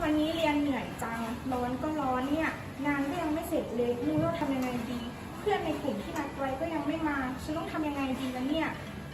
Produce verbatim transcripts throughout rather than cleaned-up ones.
วันนี้เรียนเหนื่อยจังร้อนก็ร้อนเนี่ยงานก็ยังไม่เสร็จเลยไม่รู้ว่าทำยังไงดี เพื่อนในกลุ่มที่นัดไว้ก็ยังไม่มาฉันต้องทำยังไงดีล่ะเนี่ย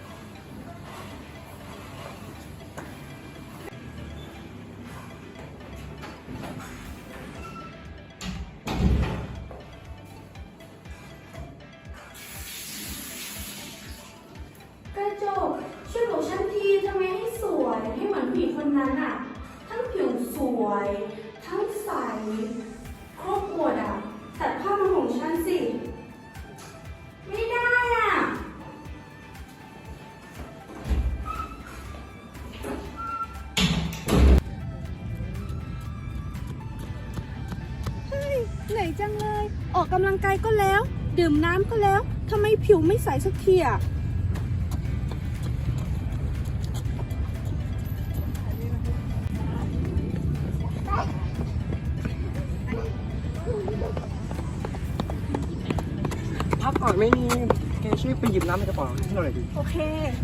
กระจกช่วยบอกฉันทีทำไมให้สวยให้เหมือนผู้หญิงคนนั้นอะทั้งผิวสวย ทั้งใสครบหมดอะตัดภาพมาของฉันสิ ไม่ได้อะเฮ้ยเหนื่อยจังเลย ออกกำลังกายก็แล้ว ดื่มน้ำก็แล้วทำไมผิวไม่ใสสักทีอะพักก่อนไม่มีแกช่วยไปหยิบน้ำในกระเป๋าให้หน่อยดิโอเค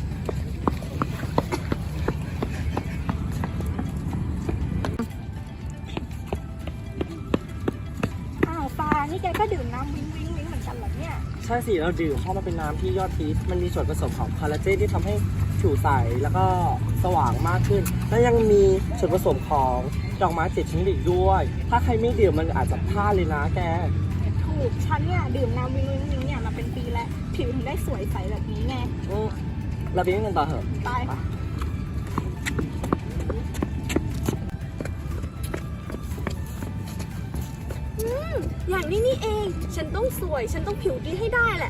อ้าวปานี่แกก็ดื่มน้ำวิ้งวิ้งวิ้งเหมือนกันเหรอเนี่ยใช่สิเราดื่มเพราะมันเป็นน้ำที่ยอดฮิตมันมีส่วนผสมของคอลลาเจนที่ทำให้ผิวใสแล้วก็สว่างมากขึ้น และยังมีส่วนผสมของดอกไม้เจ็ดชนิดอีกด้วย ถ้าใครไม่ดื่มมันอาจจะพลาดเลยนะแกถูกฉันเนี่ยดื่มน้ำวิ้งวิ้งวิ้งเนี่ยมาเป็นปีแล้วผิวถึงได้สวยใสแบบนี้ไงอืมเราไปเล่นกันต่อเถอะไปอืมอย่างนี้นี่เอง ฉันต้องสวย ฉันต้องผิวดีให้ได้แหละ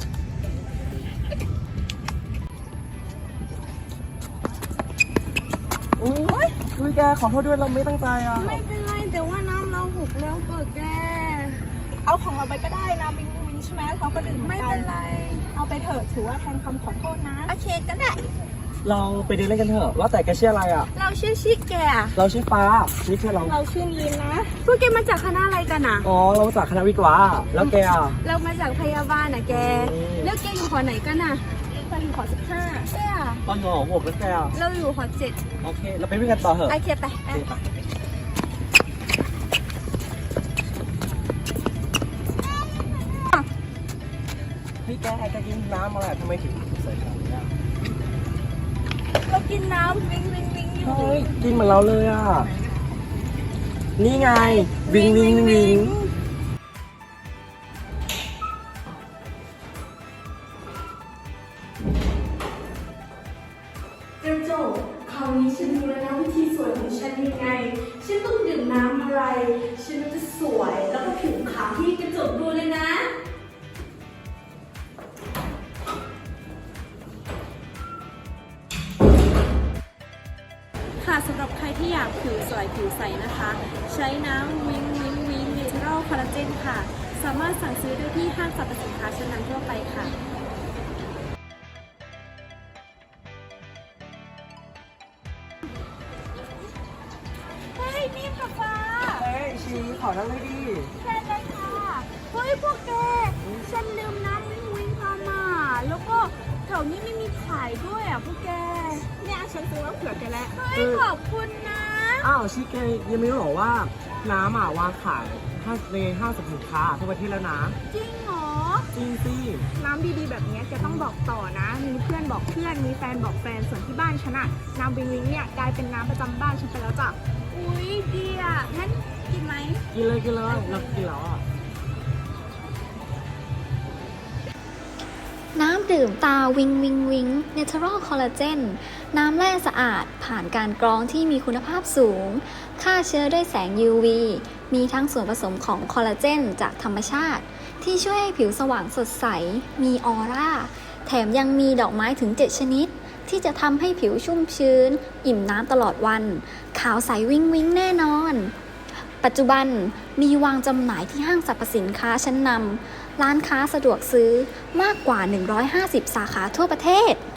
โอ้ยคือแกขอโทษด้วยเราไม่ตั้งใจอ่ะไม่เป็นไรแต่ว่าน้ำเราหกแล้วเกิดแกเอาของเราไปก็ได้นะวิ้งวิ้งวิ้งใช่ไหมเขาก็ดื่มหอไม่กัเป็นไรเอาไปเถอะถือว่าแทนคำขอโทษนะโอเคก็ได้เราไปเดินเล่นกันเถอะว่าแต่แกชื่ออะไรอ่ะเราชื่อชิแกอะเราชื่อฟ้านี่เพื่อนเราเราชื่อลีนนะพวกแกมาจากคณะอะไรกันอะอ๋อเราจากคณะวิทย์วะแล้วแกอ่ะเรามาจากพยาบาลอะแกอืมแล้วแกอยู่หอไหนกันอะไปถึงขอสิบห้าแกอะตอนหนอหกแล้วแกอ่ะเราอยู่หอเจ็ดโอเค เราไปวิ่งกันต่อเถอะโอเคไปโอเคไปพี่แกแกกินน้ำอะไรทำไมถึงใส่ขนาดนี้อ่ะเรากินน้ำวิงวิงวิงอยู่เฮ้ยกินเหมือนเราเลยอ่ะ นี่ไง วิงวิงวิงกระจกคราวนี้ฉันรู้แล้วนะวิธีสวยของฉันยังไง ฉันต้องดื่มน้ำอะไร ฉันจะสวยแล้วก็ผิวขาวที่กระจกดูเลยนะค่ะสำหรับใครที่อยากผิวสวยผิวใสนะคะ ใช้น้ำวิงวิงวิงเนเชอรัลคอลลาเจนค่ะ สามารถสั่งซื้อได้ที่ห้างสรรพสินค้าชั้นนำทั่วไปค่ะเฮ้ยนี่ค่ะฟ้าเฮ้ยชีขอนั่งเลยดิเชิญเลยค่ะ เฮ้ยพวกแก ฉันลืมน้ำวิงวิงมามาแล้วก็แถวนี้ไม่มีขายด้วยอ่ะพวกแกเนี่ยฉันซื้อมาเผื่อแกแล้วเฮ้ยขอบคุณนะอ้าวชีแกยังไม่รู้หรอว่าน้ำอ่ะวางขายในห้างสรรพสินค้าทั่วประเทศแล้วนะจริงเหรอจริงสิน้ำดีๆแบบนี้แกต้องบอกต่อนะ มีเพื่อนบอกเพื่อน มีแฟนบอกแฟน ส่วนที่บ้านฉันอะน้ำวิงวิงเนี่ยกลายเป็นน้ำประจำบ้านฉันไปแล้วจ้ะอุ๊ยดีอ่ะงั้นกินไหมกินเลยกินเลยเรากินแล้วอ่ะน้ำดื่มตาวิงวิงวิง Natural Collagen น้ำแร่สะอาดผ่านการกรองที่มีคุณภาพสูง ฆ่าเชื้อด้วยแสง ยู วี มีทั้งส่วนผสมของคอลลาเจนจากธรรมชาติ ที่ช่วยให้ผิวสว่างสดใส มีออร่า แถมยังมีดอกไม้ถึง เจ็ด ชนิด ที่จะทำให้ผิวชุ่มชื้น อิ่มน้ำตลอดวัน ขาวใสวิงวิงแน่นอน ปัจจุบันมีวางจำหน่ายที่ห้างสรรพสินค้าชั้นนำร้านค้าสะดวกซื้อมากกว่า หนึ่งร้อยห้าสิบ สาขาทั่วประเทศ